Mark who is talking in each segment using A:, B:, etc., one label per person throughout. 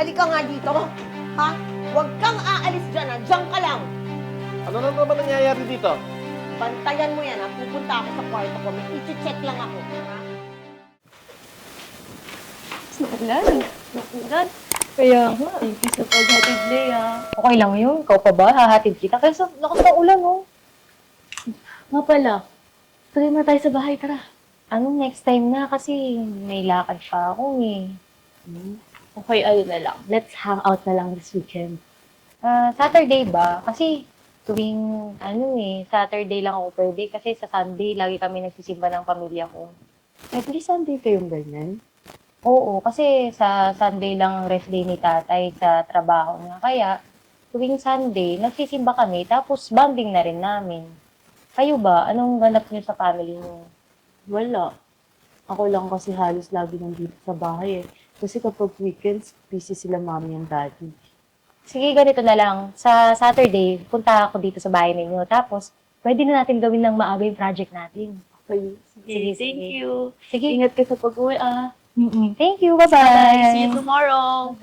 A: Halika nga dito. Ha? Huwag kang aalis dyan, ha? Diyan ka lang.
B: Ano na naman nangyayari dito?
A: Bantayan mo yan, ha? Pupunta ako sa kwarto ko. May i-check lang ako. Ha?
C: Nakulan. Kaya nga, thank you sa paghatid, Lea. Okay lang yun. Ikaw pa ba? Hahatid kita. Kasi lakas ng ulan, oh. Nga pala, tuloy na tayo sa bahay, tara. Anong next time na? Kasi may lakad pa ako, eh. Okay, ayun na lang. Let's hang out na lang this weekend. Saturday ba? Kasi tuwing, Saturday lang ako pwede. Kasi sa Sunday, lagi kami nagsisimba ng pamilya ko.
D: Every Sunday kayong ganyan?
C: Oo, kasi sa Sunday lang ang rest day ni tatay sa trabaho niya. Kaya, tuwing Sunday, nagsisimba kami, tapos bonding na rin namin. Kayo ba? Anong ganap niyo sa family niyo?
D: Wala. Ako lang kasi halos lagi nandito sa bahay eh. Kasi kapag weekends, busy sila mommy and daddy.
C: Sige, ganito na lang. Sa Saturday, punta ako dito sa bahay ninyo. Tapos, pwede na natin gawin ng maaga yung project natin.
D: Okay.
C: Sige,
D: Thank
C: sige.
D: you.
C: Sige.
D: Ingat ka sa pag-uwi ah.
C: Thank you. Bye-bye.
D: See you tomorrow.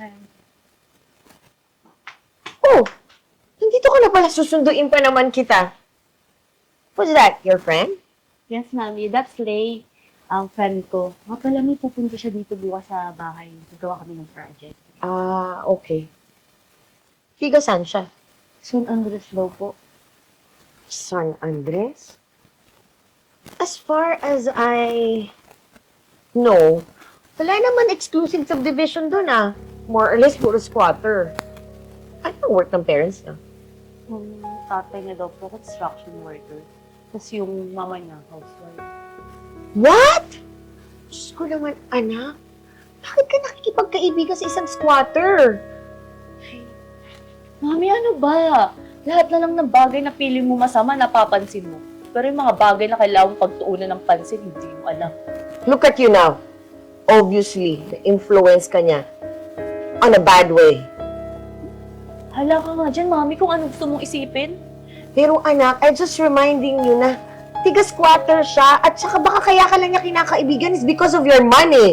A: Oh! Nandito ka na pala. Susunduin pa naman kita. Who's that? Your friend?
D: Yes, mami. That's Lay. Ang friend ko. Nga pala may pupunta siya dito bukas sa bahay. Gagawa kami ng project.
A: Ah, okay. Higa saan siya?
D: San Andres daw po.
A: San Andres? As far as I know, wala naman exclusive subdivision doon ah. More or less, puro squatter. Ano ang work ng parents niya?
D: Yung tatay niya daw po, construction worker. Tapos yung mama niya, housewife.
A: What? Diyos ko naman, anak. Bakit ka nakikipagkaibigan sa isang squatter?
D: Mami, ano ba? Lahat na lang ng bagay na pili mo masama, napapansin mo. Pero yung mga bagay na kailangan pagtuunan ng pansin, hindi mo alam.
A: Look at you now. Obviously, na-influence ka niya on a bad way.
D: Hala ka nga dyan, Mami, kung ano gusto mong isipin.
A: Pero anak, I'm just reminding you na tiga-squatter siya at saka baka kaya ka lang niya kinakaibigan is because of your money.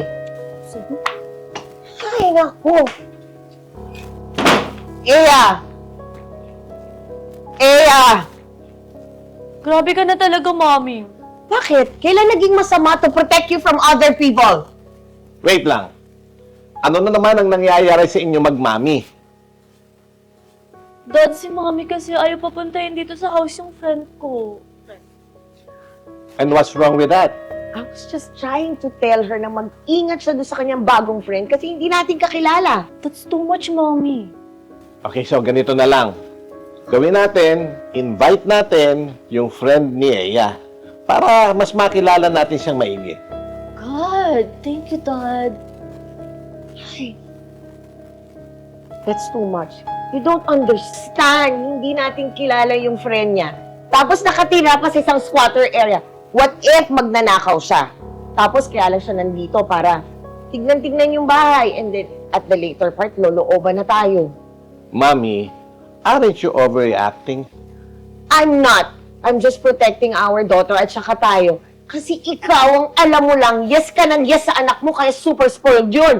A: Ay, naku. Eya! Eya!
D: Grabe ka na talaga, Mami.
A: Bakit? Kailan naging masama to protect you from other people?
B: Wait lang. Ano na naman ang nangyayari sa inyo magmami?
D: Dad, si Mami kasi ayaw papuntahin dito sa house yung friend ko.
B: And what's wrong with that?
A: I was just trying to tell her na mag-ingat siya doon sa kanyang bagong friend kasi hindi natin kakilala.
D: That's too much, Mami.
B: Okay, so ganito na lang. Gawin natin, invite natin yung friend ni Eya para mas makilala natin siyang maigi.
D: God, thank you, Dad.
A: Ay, that's too much. You don't understand. Hindi natin kilala yung friend niya. Tapos nakatira pa sa isang squatter area. What if magnanakaw siya? Tapos kaya lang siya nandito para tignan-tignan yung bahay. And then, at the later part, lolooban na tayo.
B: Mami, aren't you overreacting?
A: I'm not. I'm just protecting our daughter at saka tayo. Kasi ikaw ang alam mo lang, yes ka ng yes sa anak mo, kaya super spoiled yun.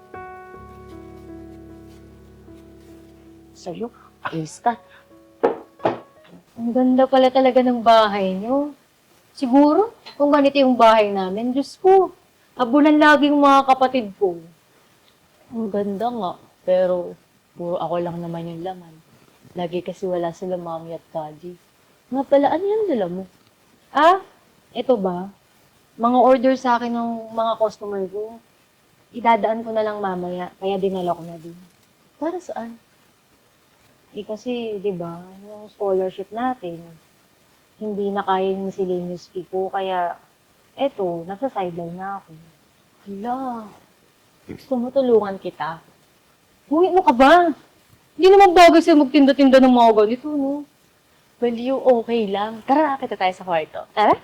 A: Sa'yo, ayos ka.
C: Ang ganda pala talaga ng bahay niyo. Siguro, kung ganito yung bahay namin, Diyos ko, abulan laging mga kapatid ko.
D: Ang ganda nga, pero puro ako lang naman yung laman. Lagi kasi wala sila Mami at Daddy. Nga pala, ano yung dala mo?
C: Ito ba? Mga order sa akin ng mga customer ko. Idadaan ko na lang mamaya, kaya dinala ko na din.
D: Para saan?
C: Kasi, di ba, yung scholarship natin, hindi na kaya yung miscellaneous fee ko, kaya, eto, nasa sideline na ako.
D: Hala, gusto mo tulungan kita?
C: Uy, ano ka ba? Hindi naman bagay sa'yo magtinda-tinda ng mga ganito, no?
D: Well, you okay lang. Tara, kita tayo sa kwarto.
C: Tara?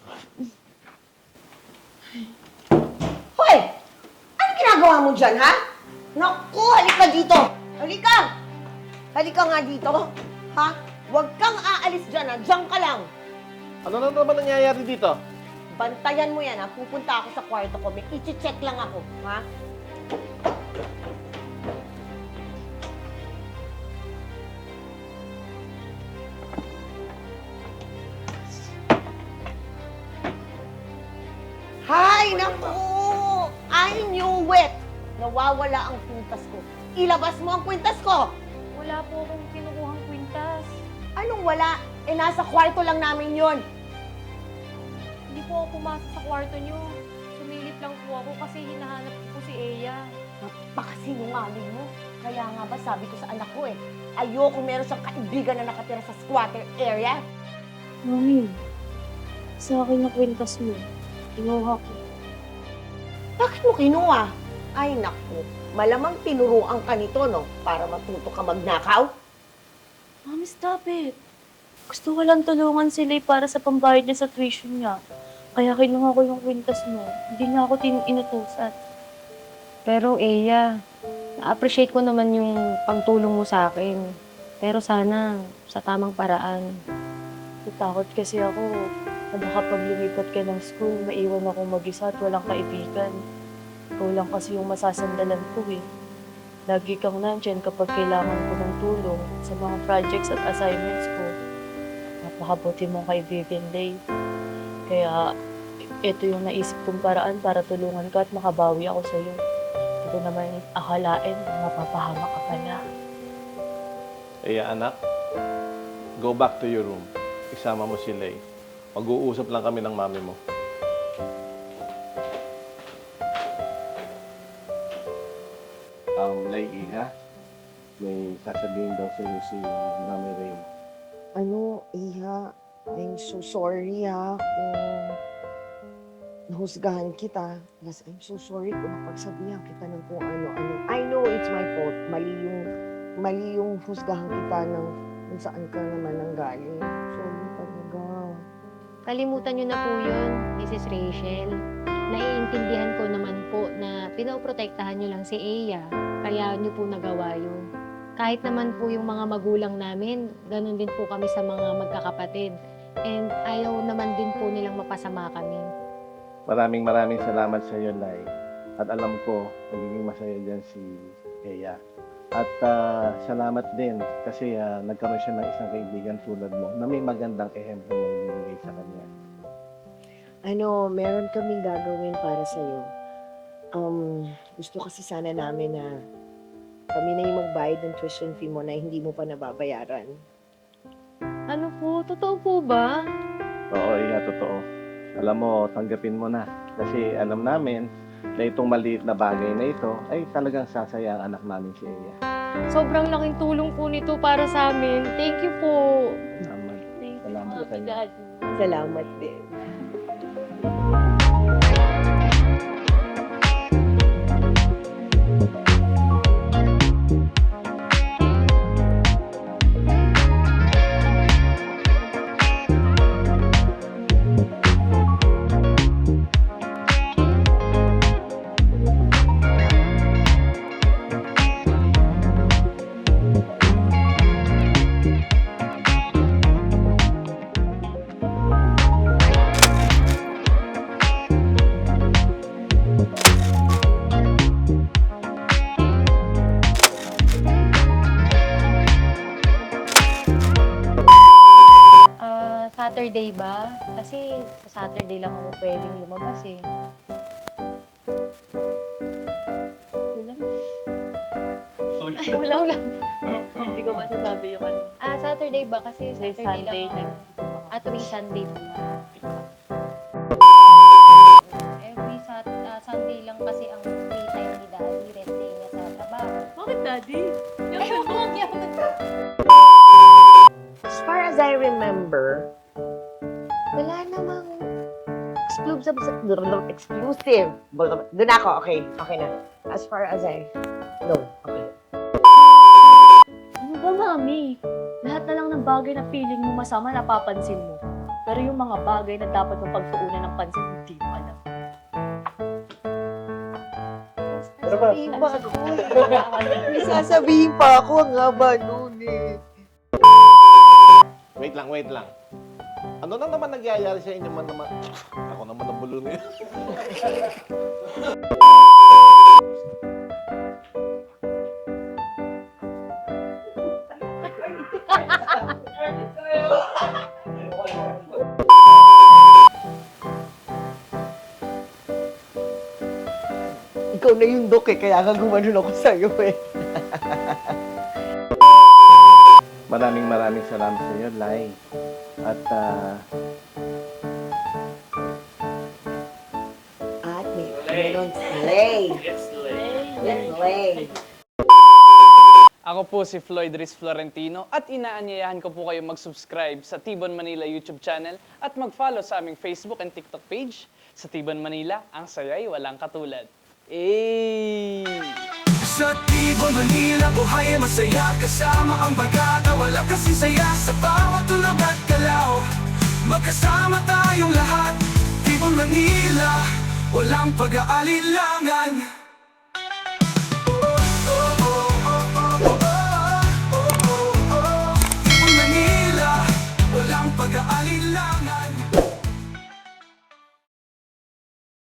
A: Hoy! Ano ginagawa mo dyan, ha? Naku, halika dito! Halika! Halika nga dito, ha? Huwag kang aalis dyan, ha? Diyan ka lang.
B: Ano na naman nangyayari dito?
A: Bantayan mo yan, ha? Pupunta ako sa kwarto ko. May i-check lang ako, ha? nawawala ang kwintas ko. Ilabas mo ang kwintas ko!
C: Wala po akong kinukuhang kwintas.
A: Anong wala? Eh, nasa kwarto lang namin yon.
C: Hindi po ako pumasok sa kwarto niyo. Sumilip lang po ako kasi hinahanap ko po si Eya.
A: Napakasinungaling mo. Kaya nga ba sabi ko sa anak ko ayoko meron siyang kaibigan na nakatira sa squatter area.
C: Mami, sa akin na kwintas mo. Kinuha ko.
A: Bakit mo kinuha? Ay naku, malamang tinuruan ka nito, no? Para matuto ka magnakaw.
C: Mami, stop it. Gusto ko lang tulungan si Lay para sa pambayad niya sa tuition niya. Kaya kinuha ko yung kwintas mo. Hindi niya ako inutusan. Pero Eya, na-appreciate ko naman yung pagtulong mo sa akin. Pero sana, sa tamang paraan. Natakot kasi ako, na kapag lumipat ka ng school, maiwan ako mag-isa at walang kaibigan. Ikaw lang kasi yung masasandalan ko eh. Lagi kang nandyan kapag kailangan ko ng tulong sa mga projects at assignments ko. Napakabuti mong kaibigan, Lay. Kaya, ito yung naisip kong paraan para tulungan ka at makabawi ako sa'yo. Hindi ko naman akalain na mapapahama ka pala.
B: Anak, go back to your room. Isama mo si Lay. Mag-uusap lang kami ng mami mo. Lay, Iha, may sasabihin daw sa'yo si Mami Ray.
A: Ano, Iha, I'm so sorry kung nahusgahan kita. Yes, I'm so sorry kung napagsabihan kita ng kung ano-ano. I know it's my fault. Mali yung husgahan kita ng kung saan ka naman nanggaling. Sorry talaga.
E: Kalimutan niyo na po yun, Mrs. Rachel. Naiintindihan ko naman po na pinoprotektahan niyo lang si Eya, kaya niyo po nagawa yun. Kahit naman po yung mga magulang namin, ganun din po kami sa mga magkakapatid. And ayaw naman din po nilang mapasama kami.
B: Maraming salamat sa iyo, Lay. At alam ko, magiging masaya dyan si Eya. At salamat din kasi nagkaroon siya ng isang kaibigan tulad mo na may magandang ehemplo na ibibigay sa kanya.
A: Meron kaming gagawin para sa'yo. Gusto kasi sana namin na kami na yung magbayad ng tuition fee mo na hindi mo pa nababayaran.
C: Ano po? Totoo po ba?
B: Oo, Iya, totoo. Alam mo, tanggapin mo na. Kasi alam namin na itong maliit na bagay na ito ay talagang sasaya ang anak namin si Iya.
C: Sobrang laking tulong po nito para sa amin. Thank you po.
B: Salamat.
C: Thank you,
B: Salamat sa
C: Mami,
B: inyo.
C: Dad.
A: Salamat din.
E: Saturday ba? Kasi sa Saturday lang ako pwedeng lumabas eh.
C: Wala. Hindi ko masasabi yung ano.
E: Saturday ba? Kasi
C: May
E: Saturday
C: Sunday
E: lang
C: na.
E: ako. Tuwing Sunday po. Sunday lang kasi ang free time ni Daddy. Rest day niya sa trabaho.
C: Bakit, Daddy?
A: As far as I remember, wala namang exclusive. Doon ako, okay. Okay na. As far as I know, okay.
C: Ano ba, Mami? Lahat na lang ng bagay na feeling mo masama, napapansin mo. Pero yung mga bagay na dapat mong pagtuunan ng pansin, hindi mo alam.
A: Sasabihin pa ako. May sasabihin pa ako. Ang haba nun eh.
B: Wait lang. Ano na naman nagyayari sa inyo man naman? Ako naman ang bulo niyo.
A: Ikaw na yung Dok eh, kaya nga gumanon ako sa'yo eh.
B: Maraming salamat sa iyo, Lai. At
A: At may meron Slay. Slay.
F: Ako po si Floyd Riz Florentino at inaanyayahan ko po kayo mag-subscribe sa Tibon Manila YouTube channel at mag-follow sa aming Facebook and TikTok page. Sa Tibon Manila, ang saya'y walang katulad.
G: Sa Tibon Manila, buhay ay masaya kasama ang bagata. Wala kasi saya sa bawat tulog at galaw. Magkasama tayong lahat, Tibon Manila, walang pag-aalilangan.